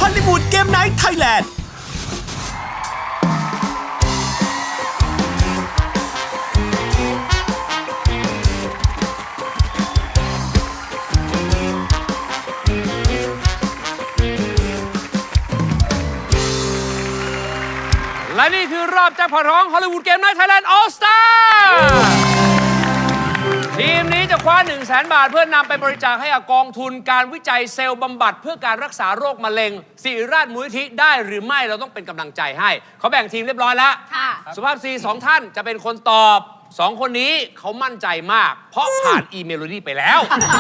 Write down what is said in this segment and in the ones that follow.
อลลีวูดเกมไนท์ไทยแลนด์และนี่คือรอบแจ็คพอตของฮอลลีวูดเกมไนท์ไทยแลนด์ออลสตาร์ทีมนี้จะคว้า 100,000 บาทเพื่อนำไปบริจาคให้กับกองทุนการวิจัยเซลล์บำบัดเพื่อการรักษาโรคมะเร็งศิริราชมูลนิธิได้หรือไม่เราต้องเป็นกำลังใจให้เขาแบ่งทีมเรียบร้อยแล้วสุภาพสตรี2 ท่านจะเป็นคนตอบ2 คนนี้เขามั่นใจมากเพราะผ่านอีเมโลดี้ไปแล้ว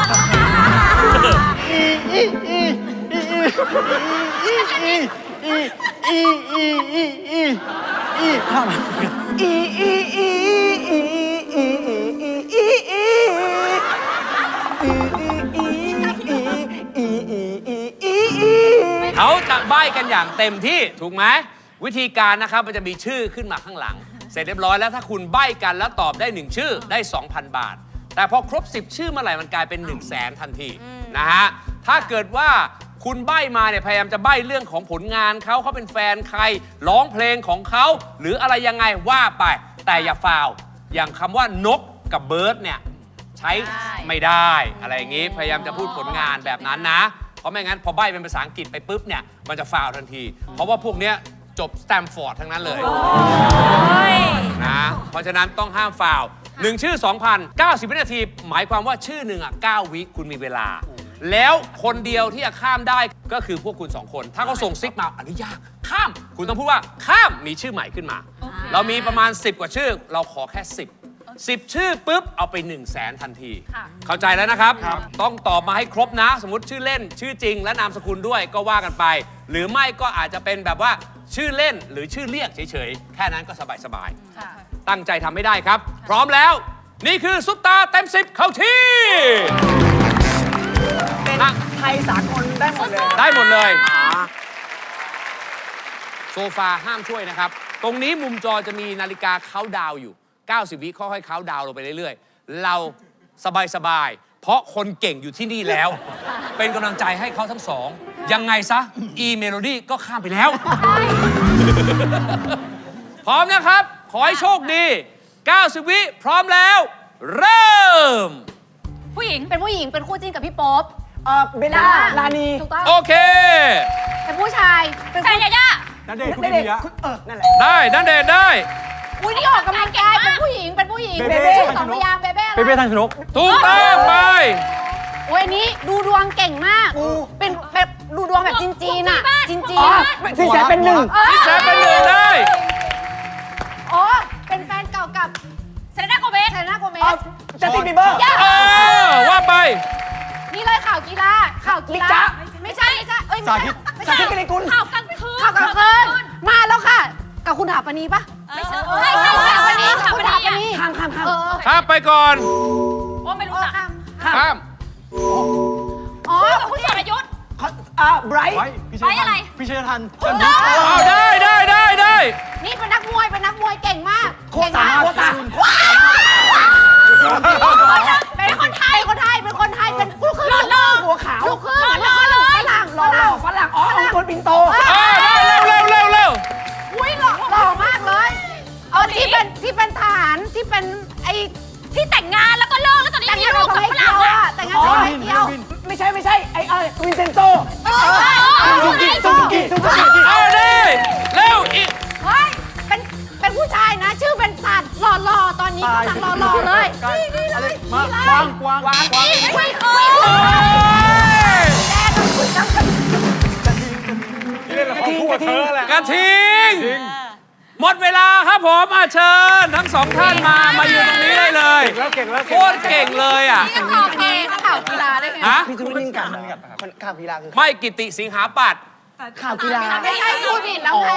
เขาจะใบ้กันอย่างเต็มที่ถูกไหมวิธีการนะครับมันจะมีชื่อขึ้นมาข้างหลังเสร็จเรียบร้อยแล้วถ้าคุณใบ้กันแล้วตอบได้1ชื่อได้ 2,000 บาทแต่พอครบ10ชื่อเมื่อไหร่มันกลายเป็น100,000ทันทีนะฮะถ้าเกิดว่าคุณใบ้มาเนี่ยพยายามจะใบ้เรื่องของผลงานเขาเป็นแฟนใครร้องเพลงของเขาหรืออะไรยังไงว่าไปแต่อย่าฟาวอย่างคำว่านกกับเบิร์ดเนี่ยใช้ไม่ได้อะไรอย่างงี้พยายามจะพูดผลงานแบบนั้นนะเพราะไม่งั้นพอใบ้เป็นภาษาอังกฤษไปปุ๊บเนี่ยมันจะฟาวทันทีเพราะว่าพวกเนี้ยจบสแตมฟอร์ดทั้งนั้นเลยนะเพราะฉะนั้นต้องห้ามฟาว1ชื่อ 2,000 90 วินาทีหมายความว่าชื่อหนึ่ง9 วิคุณมีเวลาแล้วคนเดียวที่จะข้ามได้ก็คือพวกคุณ2 คนถ้าเขาส่งซิกมาอนุญาตข้ามคุณต้องพูดว่าข้ามมีชื่อใหม่ขึ้นมาเรามีประมาณ10 กว่าชื่อเราขอแค่10ชื่อปุ๊บเอาไป100,000ทันทีเข้าใจแล้วนะครับต้องตอบมาให้ครบนะสมมติชื่อเล่นชื่อจริงและนามสกุลด้วยก็ว่ากันไปหรือไม่ก็อาจจะเป็นแบบว่าชื่อเล่นหรือชื่อเรียกเฉยๆแค่นั้นก็สบายๆตั้งใจทำให้ได้ครับพร้อมแล้วนี่คือซุปตาเต็ม10เข้าที่ไทยสากลได้หมดเลยได้หมดเลยโซฟาห้ามช่วยนะครับตรงนี้มุมจอจะมีนาฬิกาเค้าดาวอยู่90 วิค่อยๆเค้าดาวลงไปเรื่อยๆเราสบายๆเพราะคนเก่งอยู่ที่นี่แล้วเป็นกำลังใจให้เขาทั้งสองยังไงซะอีเมโลดี้ก็ข้ามไปแล้วพร้อมนะครับขอให้โชคดี90 วิพร้อมแล้วเริ่มผู้หญิงเป็นผู้หญิงเป็นคู่จิ้นกับพี่โป๊ปเบลล่าลานีถูกต้องโอเคเป็นผู้ชายเป็นแฟนยาย่าณเดชน์คุณเดียนั่นแหละได้ณเดชน์ได้อุ้ยนี่ออกกำลังกายเป็นผู้หญิงเป็นผู้หญิงเบเบ้ 2 พยางค์เบเบ้เบเบ้ทันชนกถูกต้องไปโอ้ยนี้ดูดวงเก่งมากเป็นดูดวงแบบจีนอ่ะจีนสินแสเป็น1 สินแสเป็น1ได้อ๋อเป็นแฟนเก่ากับเซเลน่าโกเมสจัสตินบีเบอร์ว่าไปนี่เลยข่าวกีฬาไม่ใช่สาธิตกิริกุลข่าวกลางคืนมาแล้วค่ะกับคุณถาปณีปะไม่ใช่ถาปณีข้ามไปก่อนโอ้ไม่รู้จักข้ามอ๋อกับคุณสรยุทธ์ไบรท์อะไรพิชยทันได้นี่เป็นนักมวยเก่งมากโคตาเป็นคนไทยเป็นลูกครึ่งหัวขาวลูกครึ่งฝรั่งอ๋อคนปินโตเร็วอุ้ยหล่อมากเลยที่เป็นทหารที่เป็นไอที่แต่งงานแล้วก็เลิกแล้วตอนนี้มีลูกกับฝรั่งอะแต่งงานกับไอเดียวไม่ใช่ไอ้วินเซนโตซูกิเอาดิเร็วอีกเฮ้ยเป็นผู้ชายนะชื่อเป็นสัตว์หล่อตอนนี้กำลังหล่อเลยนี่เลยกวางแดงกับคุณน้ำกระทิงหมดเวลาครับผมเชิญทั้ง2 ท่านมาอยู่ตรงนี้ได้เลยโคตรเก่งเลยอ่ะนี่ก็ข่าวกีฬาได้ไงพี่คุณยิ่งกันข่าวกีฬาคือไม่กิติสิงหาปัตย์ข่าวกีฬาไม่ใช่พูดผิดแล้วไง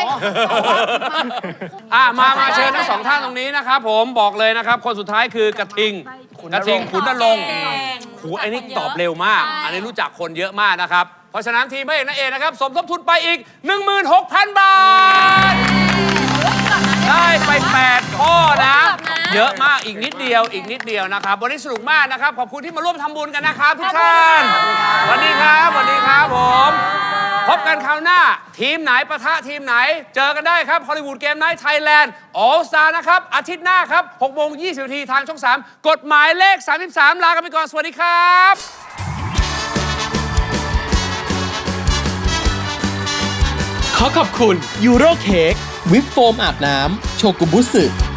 มาเชิญทั้ง2 ท่านตรงนี้นะครับผมบอกเลยนะครับคนสุดท้ายคือกระทิงขุนนรงค์ไอ้นี่ตอบเร็วมากอันนี้รู้จักคนเยอะมากนะครับเพราะฉะนั้นทีมพระเอกนางเอกนะครับสมทบทุนไปอีก 16,000 บาทได้ไป8 ข้อนะเยอะมากอีกนิดเดียวนะครับวันนี้สนุกมากนะครับขอบคุณที่มาร่วมทำบุญกันนะครับทุกท่านสวัสดีครับผมพบกันคราวหน้า ทีมไหนปะทะทีมไหน เจอกันได้ครับฮอลลีวูดเกมไนท์ไทยแลนด์ออลสตาร์นะครับ อาทิตย์หน้าครับ6:20 น.ทางช่อง 3 กฎหมายเลข 33 ลากันไปก่อน สวัสดีครับขอขอบคุณยูโรเค้กวิปโฟมอาบน้ำโชกุบุสึ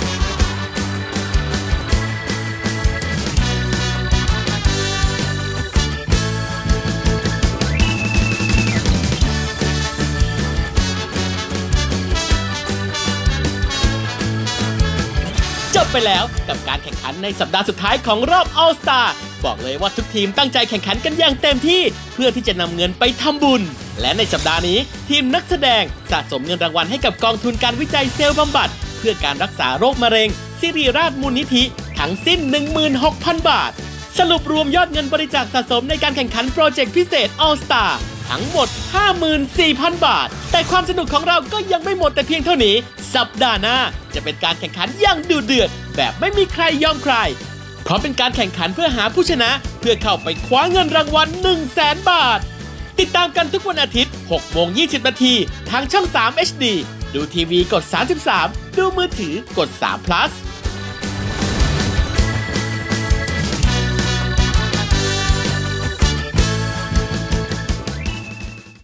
จบไปแล้วกับการแข่งขันในสัปดาห์สุดท้ายของรอบ All Star บอกเลยว่าทุกทีมตั้งใจแข่งขันกันอย่างเต็มที่เพื่อที่จะนำเงินไปทำบุญ และในสัปดาห์นี้ทีมนักแสดงสะสมเงินรางวัลให้กับกองทุนการวิจัยเซลล์บำบัดเพื่อการรักษาโรคมะเร็งสิริราชมูลนิธิทั้งสิ้น 16,000 บาท สรุปรวมยอดเงินบริจาคสะสมในการแข่งขันโปรเจกต์พิเศษ All Star ทั้งหมด 54,000 บาท แต่ความสนุกของเราก็ยังไม่หมดแต่เพียงเท่านี้ สัปดาห์หน้าจะเป็นการแข่งขันอย่างดุเดือดแบบไม่มีใครยอมใคร เพราะเป็นการแข่งขันเพื่อหาผู้ชนะเพื่อเข้าไปคว้าเงินรางวัล 100,000 บาท ติดตามกันทุกวันอาทิตย์ 6:20 น.ทางช่อง 3 HD ดูทีวีกด 33 ดูมือถือกด3 plus